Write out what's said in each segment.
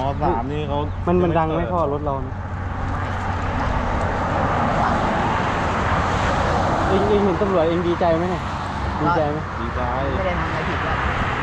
3นี่เขามันดังไหมพ่อรถเราเองเห็นตำรวจเองดีใจไหมเนี่ยดีใจไหมดีใจไม่ได้ทำอะไรผิดเลย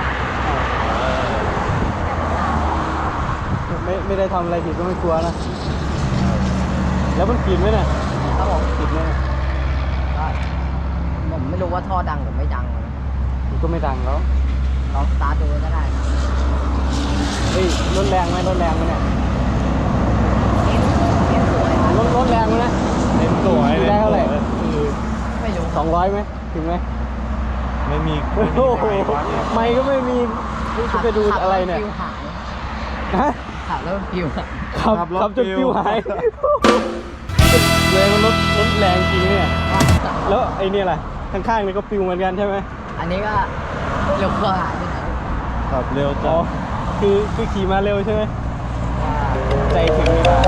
ไม่ได้ทำอะไรผิดก็ไม่กลัวนะแล้วมันผิดไหมเนี่ยครับผมผิดไหมก็ผมไม่รู้ว่าท่อดังหรือไม่ดังมันก็ไม่ดังแล้วลองสตาร์ทดูก็ได้ครับเฮ้ยรถแรงไหมเนี่ยเน้นสวยครับรถแรงไหมนะเต็มสวยได้เท่าไหร่ไม่รู้ 200ไหมถึงไหมไม่มีไม่ก็ไม่มีจะไปดูอะไรเนี่ยฮะขับแล้วฟิวขับจนฟิวหายแรงมันรถแรงจริงเนี่ยแล้วไอ้นี่อะไรข้างๆนี่ก็ฟิวเหมือนกันใช่ไหมอันนี้ก็เร็วกว่าที่ไหนขับเร็วจ้ะคือขี่มาเร็วใช่ไหมใจถึงเวลา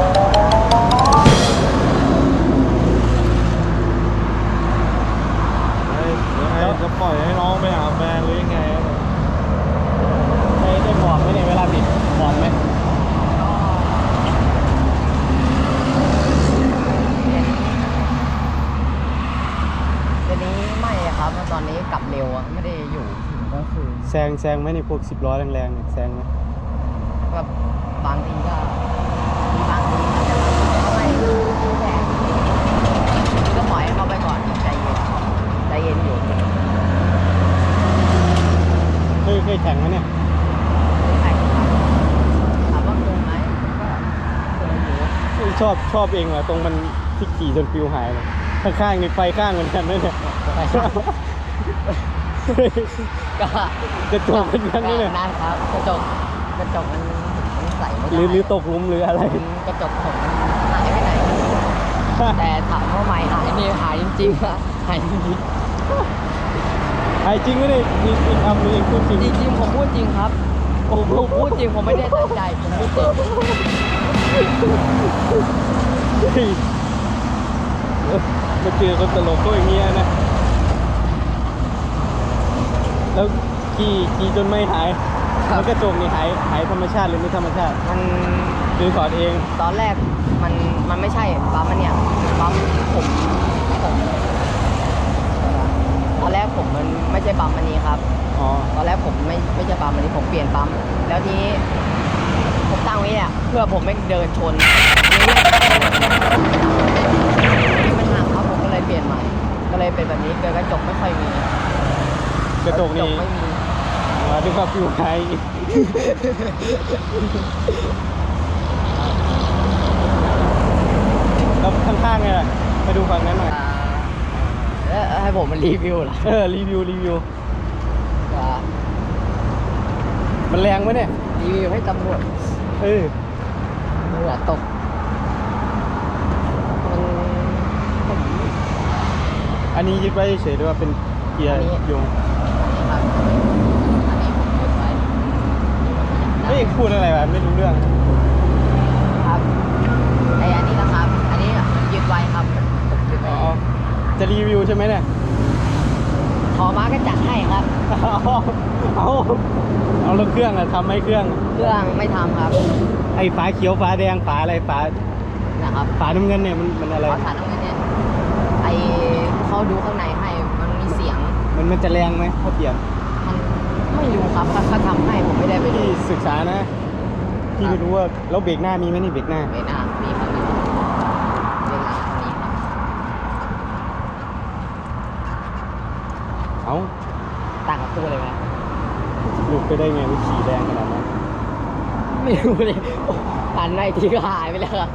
จะปล่อยให้น้องไปหาแฟนหรือยังไงได้บอกไหมเนี่ยเวลาบิดบอกไหมเดี๋ยวนี้ไม่ครับตอนนี้กลับเร็วไม่ได้อยู่ก็คือแซงไหมในพวก10 ล้อแรงๆเนี่ยแซงไหมแบบบางทีก็อาจจะไม่แรงก็ปล่อยให้เขาไปก่อนใจเย็นอยู่เคยแข่งไหมเนี่ยแข่งครับถามว่าเคยไหมก็เคยอยู่ชอบเองเหรอตรงมันที่ขี่จนฟิวหายเลยข้างๆนี่ไฟข้างเหมือนกันนะเนี่ยกระจกเป็นกันนี่เนี่ยนั่นครับกระจกมันใส่ไม่ได้หรือตกหลุมหรืออะไรกระจกผมหายไปไหนแต่ถามว่าไม่หายนี่หายจริงๆอะหายจริงหายจริงไม่ได้มีคำเองพูดจริงจริงผมพูดจริงครับผมพูดจริงผมไม่ได้ตั้งใจผมพูดจริงมาเจอคนตลกก็อย่างเงี้ยนะแล้วขี่จนไม่หายมันกระจกนี่หายธรรมชาติหรือไม่ธรรมชาติมันหรือถอดเองตอนแรกมันไม่ใช่ปั๊มมันเนี่ยปั๊มผมตอนแรกผมมันไม่ใช่ปั๊มอันนี้ครับตอนแรกผมไม่ใช่ปั๊มอันนี้ผมเปลี่ยนปั๊มแล้วทีนี้ผมตั้งไว้เนี่ยเพื่อผมไม่เดินชนมันห่างครับผมก็เลยเปลี่ยนใหม่ก็เลยเป็นแบบนี้กระจกไม่ค่อยมีกระจกนี่ไม่มีดูครับฟิวหายแล้วข้างๆไงล่ะไปดูฝั่งนั้นหน่อยให้ผมมันรีวิวเหรอรีวิวมันแรงไหมเนี่ยรีวิวให้ตำรวจตำรวจตกอันนี้ยึดไว้เฉยๆด้วยว่าเป็นเกียร์โยงอันนี้ผมยึดไว้ไม่พูดอะไรวะไม่รู้เรื่องครับอันนี้นะครับอันนี้ยึดไว้ครับยึดไว้จะรีวิวใช่ไหมเนี่ยขอมาก็จัดให้ครับเอาแล้วเครื่องอะทำไหมเครื่องไม่ทำครับไอ้ฝาเขียวฝาแดงฝาอะไรฝานะครับฝาน้ำเงินเนี่ยมันอะไรฝาน้ำเงินเนี่ยไอเขาดูข้างในให้มันมีเสียงมันจะแรงไหมเขาเปลี่ยนมันไม่รู้ครับเขาทำให้ผมไม่ได้ไปที่ศึกษานะที่ไม่รู้ว่าแล้วเบรกหน้ามีไหมนี่เบรกหน้ามีครับเบรกหลังนี้ครับเอาต่างกับตัวเลยไหมหลุดไปได้ไงวิขี่แรงขนาดนั้นไม่รู้เลยหันในทีก็หายไปแล้ว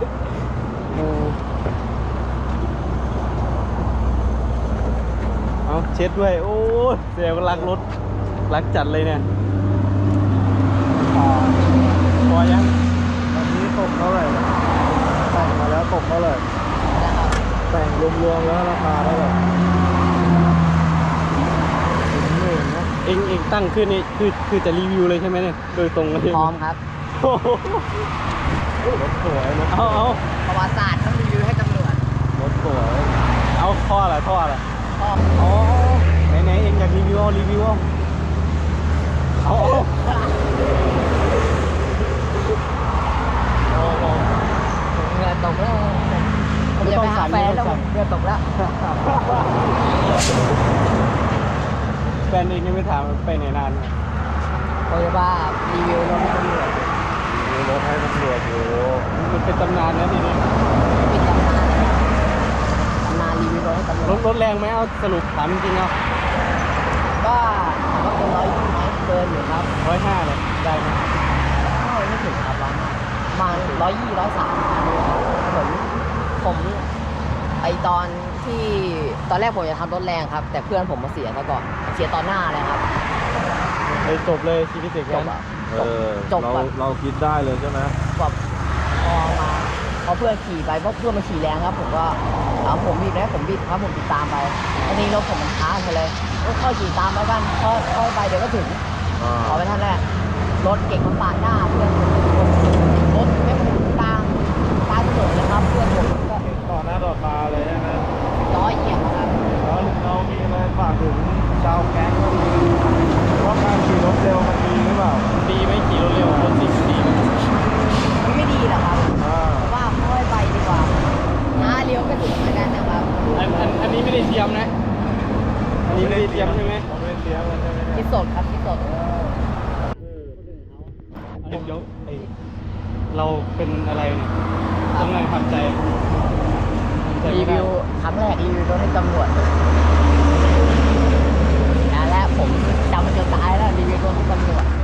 เอาเช็ดด้วยโอ้เสียรักรถรักจัดเลยเนี่ยพอยังตอนนี้ตกเท่าไหร่แต่งมาแล้วตกเท่าไหร่แต่งรวมๆแล้วราคาเท่าไหร่เองตั้งขึ้นนี่คือจะรีวิวเลยใช่ไหมเนี่ยโดยตรงเลยพร้อมครับรถสวยนะเอาประวัติศาสตร์ต้องรีวิวให้ตำรวจรถสวยเอาท่ออะไรอ๋อไหนเองอยากรีวิวเอาถามไปไหนนานเนี่ยโตโยต้ารีวิวรถให้ตำรวจมีรถให้ตำรวจอยู่มันเป็นตำนานนะทีนี้ปิดตำนานเลยครับตำนานรีวิวรถให้ตำรวจรถแรงไหมเอาสรุปถามจริงๆเอาก็ถามว่าเกิน120ไหมเกินอยู่ครับ 150เลยได้ไหมไม่ถึงครับ100มา120 130ผมไอตอนที่ตอนแรกผมจะทำรถแรงครับ แต่เพื่อนผมมาเสียซะก่อนเสียตอนหน้าเลยครับไปจบเลยชีวิตเด็กจกันบอะจบเราคิดได้เลยใช่ไหมแบบพอเพื่อนขี่ไปเพราะเพื่อนมันขี่แรงครับ ผมก็เอาผมบีบแล้วผมบีบครับผมติดตามไปอันนี้รถผมมันช้าไปเลยก็ค่อยขี่ตามไปกันค่อยไปเดี๋ยวก็ถึง ขอไปท่านแรกรถเก่งมันปาดหน้าเพื่อนรถไม่ถึงกลางถนนเลยครับเพื่อนผมก็ต่อหน้าต่อตาเลยใช่ไหมล้อเหยียบอะครับแล้วเรามีอะไรฝากถึงชาวแก๊งก็ดีว่าการขี่รถเร็วมันดีหรือเปล่าดีไหมขี่รถเร็วรถติดดีไหมมันไม่ดีหรอกครับอ่าเพราะว่าค่อยไปดีกว่าเลี้ยวก็ถึงเหมือนกันนะครับอันนี้ไม่ได้เตรียมนะ อันนี้ไม่ได้เตรียมใช่ไหมเราไม่ได้เตรียมกันใช่ไหมคิดสดครับคิดสดเดี๋ยวไอ้เราเป็นอะไรเนี่ยต้องไงทำใจทำใจรีไม่ได้วิวครั้งแรกรีวิวรถให้ตำรวจและผมจำมันจนตายแล้วรีวิวรถให้ตำรวจ